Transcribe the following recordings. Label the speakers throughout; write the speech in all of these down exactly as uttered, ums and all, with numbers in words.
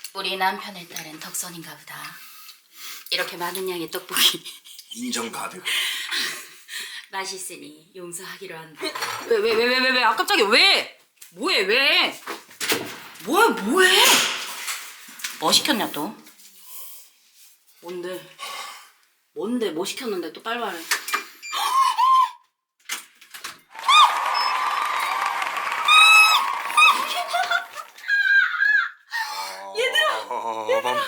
Speaker 1: 우리 남편의 딸은 덕선인가 보다. 이렇게 많은 양의 떡볶이
Speaker 2: 인정 가득.
Speaker 1: 맛있으니 용서하기로 한다. 왜 왜 왜 왜 왜 왜? 아 깜짝이야. 왜? 뭐해 왜? 뭐야 뭐해? 뭐 시켰냐 또? 뭔데? 뭔데 뭐 시켰는데 또 빨리 말해.
Speaker 2: 얘들아. 밤.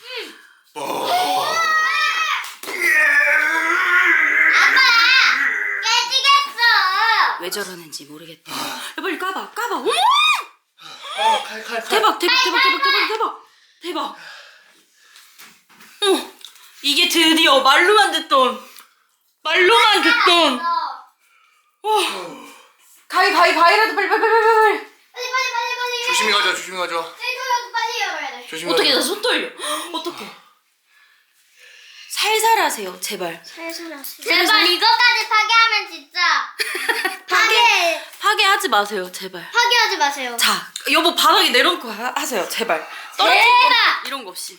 Speaker 1: 왜 저러는지 모르겠대. 야, 빨리 까봐, 까봐. 어머!
Speaker 2: 어, 칼, 칼, 칼.
Speaker 1: 대박, 대박, 대박, 대박, 대박, 대박, 대박. 어, 이게 드디어 말로만 듣던, 말로만 듣던. 어, 가위, 가위, 가위라도 빨리, 빨리, 빨리, 빨리, 빨리.
Speaker 3: 빨리 빨리 빨리 빨리.
Speaker 2: 조심히 가자, 조심히 가자.
Speaker 3: 저희도 빨리 열어야 돼.
Speaker 2: 조심히
Speaker 1: 어떻게
Speaker 2: 가자.
Speaker 1: 나 손 떨려? 어떻게? 살살 하세요, 제발.
Speaker 3: 살살 하세요. 제발 이거까지 파괴하면 진짜 파괴
Speaker 1: 파괴하지 마세요, 제발.
Speaker 3: 파괴하지 마세요.
Speaker 1: 자, 여보 바닥에 내려놓고 하, 하세요, 제발. 떨어질
Speaker 3: 제발.
Speaker 1: 거 이런 거 없이.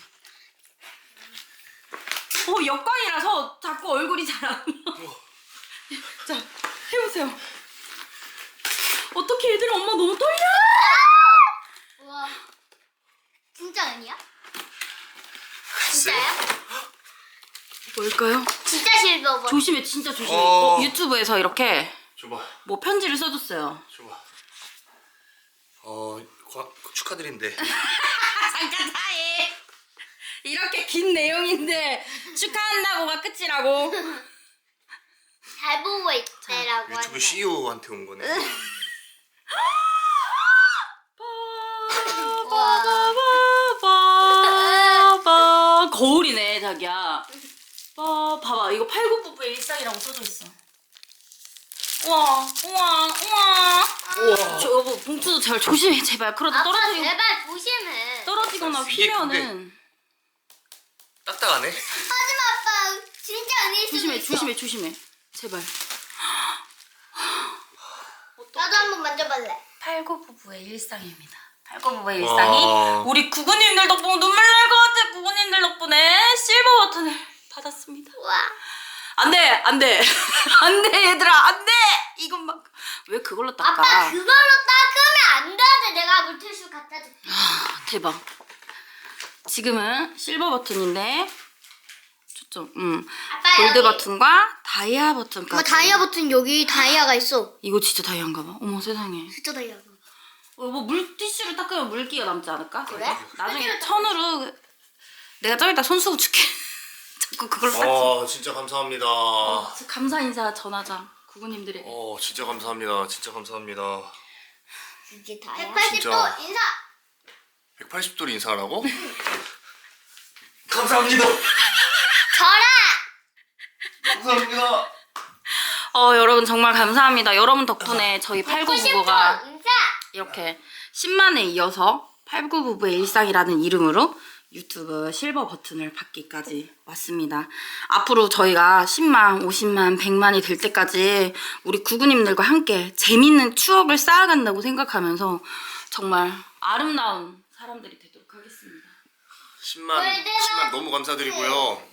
Speaker 1: 어, 역광이라서 자꾸 얼굴이 잘 안 나와. 자, 해보세요. 어떻게 얘들아, 엄마 너무 떨려?
Speaker 3: 우와. 진짜 아니야? 진짜요?
Speaker 1: 뭘까요?
Speaker 3: 진짜 실버.
Speaker 1: 조심해, 진짜 조심해.
Speaker 2: 어.
Speaker 1: 어, 유튜브에서 이렇게
Speaker 2: 줘봐,
Speaker 1: 뭐 편지를 써줬어요.
Speaker 2: 줘봐. 어, 과, 축하드린대.
Speaker 1: 잠깐 사이. 이렇게 긴 내용인데 축하한다고가 끝이라고.
Speaker 3: 잘 보고 있대라고
Speaker 2: 유튜브
Speaker 3: 하는데.
Speaker 2: 씨이오한테 온 거네.
Speaker 1: 빠바바바바. 거울이네 자기야. 빠 봐봐 이거 팔굽부부의 일상이라고 써져 있어. 우와 우와 우와.
Speaker 2: 우와.
Speaker 1: 저 여보 봉투도 잘 조심해 제발. 그러다
Speaker 3: 아빠
Speaker 1: 떨어지고
Speaker 3: 제발 조심해.
Speaker 1: 떨어지거나
Speaker 2: 이게
Speaker 1: 휘면은
Speaker 2: 딱딱하네.
Speaker 3: 하지마 아빠. 진짜 아닐 수도
Speaker 1: 조심해
Speaker 3: 있어.
Speaker 1: 조심해 조심해 제발.
Speaker 3: 나도 한번 만져볼래.
Speaker 1: 팔구부부의 일상입니다. 팔구부부의 일상이
Speaker 2: 와.
Speaker 1: 우리 구구님들 덕분에 눈물 날 것 같아. 구구님들 덕분에 실버 버튼을 받았습니다.
Speaker 3: 우와.
Speaker 1: 안돼 안돼 안돼 얘들아 안돼. 이것만 왜 그걸로 닦아?
Speaker 3: 아빠 그걸로 닦으면 안 돼. 내가 물티슈 갖다 줄게.
Speaker 1: 아, 대박. 지금은 실버 버튼인데 초점 음
Speaker 3: 아빠
Speaker 1: 골드
Speaker 3: 여기.
Speaker 1: 버튼과 다이아 버튼까지.
Speaker 3: 엄마 다이아 버튼 여기 다이아가 있어.
Speaker 1: 이거 진짜 다이아인가 봐. 어머 세상에.
Speaker 3: 진짜 다이아가.
Speaker 1: 어, 뭐 물티슈를 닦으면 물기가 남지 않을까?
Speaker 3: 그래?
Speaker 1: 나중에 천으로 내가 좀 이따 손수건 줄게. 자꾸 그걸로 닦지.
Speaker 2: 아, 진짜 감사합니다.
Speaker 1: 어, 감사 인사 전하자 구구님들에게.
Speaker 2: 어, 진짜 감사합니다. 진짜 감사합니다.
Speaker 3: 이게 다이아. 백팔십 도
Speaker 2: 진짜.
Speaker 3: 인사.
Speaker 2: 백팔십 도로 인사하라고? 감사합니다.
Speaker 3: 저라.
Speaker 2: 감사합니다.
Speaker 1: 어 여러분 정말 감사합니다. 여러분 덕분에 저희 팔구부부가
Speaker 3: 백구십 도 인사.
Speaker 1: 이렇게 십만에 이어서 팔구부부의 일상이라는 이름으로 유튜브 실버 버튼을 받기까지 왔습니다. 앞으로 저희가 십만, 오십만, 백만이 될 때까지 우리 구구님들과 함께 재밌는 추억을 쌓아간다고 생각하면서 정말 아름다운 사람들이 되도록 하겠습니다.
Speaker 2: 십만, 십만 너무 감사드리고요.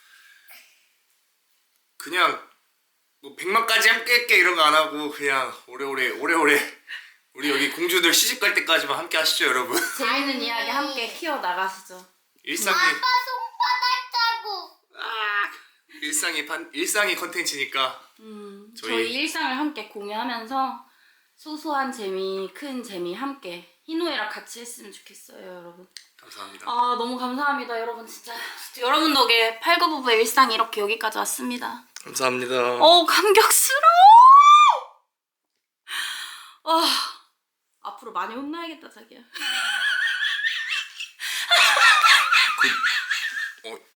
Speaker 2: 그냥 뭐 백만까지 함께 할게 이런 거 안 하고 그냥 오래오래 오래오래 우리 여기 공주들 시집 갈 때까지만 함께 하시죠, 여러분.
Speaker 1: 재밌는 이야기 함께 키워나가시죠.
Speaker 2: 일상이
Speaker 3: 아빠 손바닥 자국.
Speaker 2: 아, 일상이 판 일상이 컨텐츠니까
Speaker 1: 음,
Speaker 2: 저희-
Speaker 1: 저희... 일상을 함께 공유하면서 소소한 재미, 큰 재미 함께 희노애락 같이 했으면 좋겠어요, 여러분.
Speaker 2: 감사합니다.
Speaker 1: 아 너무 감사합니다, 여러분. 진짜, 진짜 여러분 덕에 팔구부부의 일상이 이렇게 여기까지 왔습니다.
Speaker 2: 감사합니다.
Speaker 1: 어 감격스러워. 와 앞으로 많이 혼나야겠다 자기야.
Speaker 2: 어,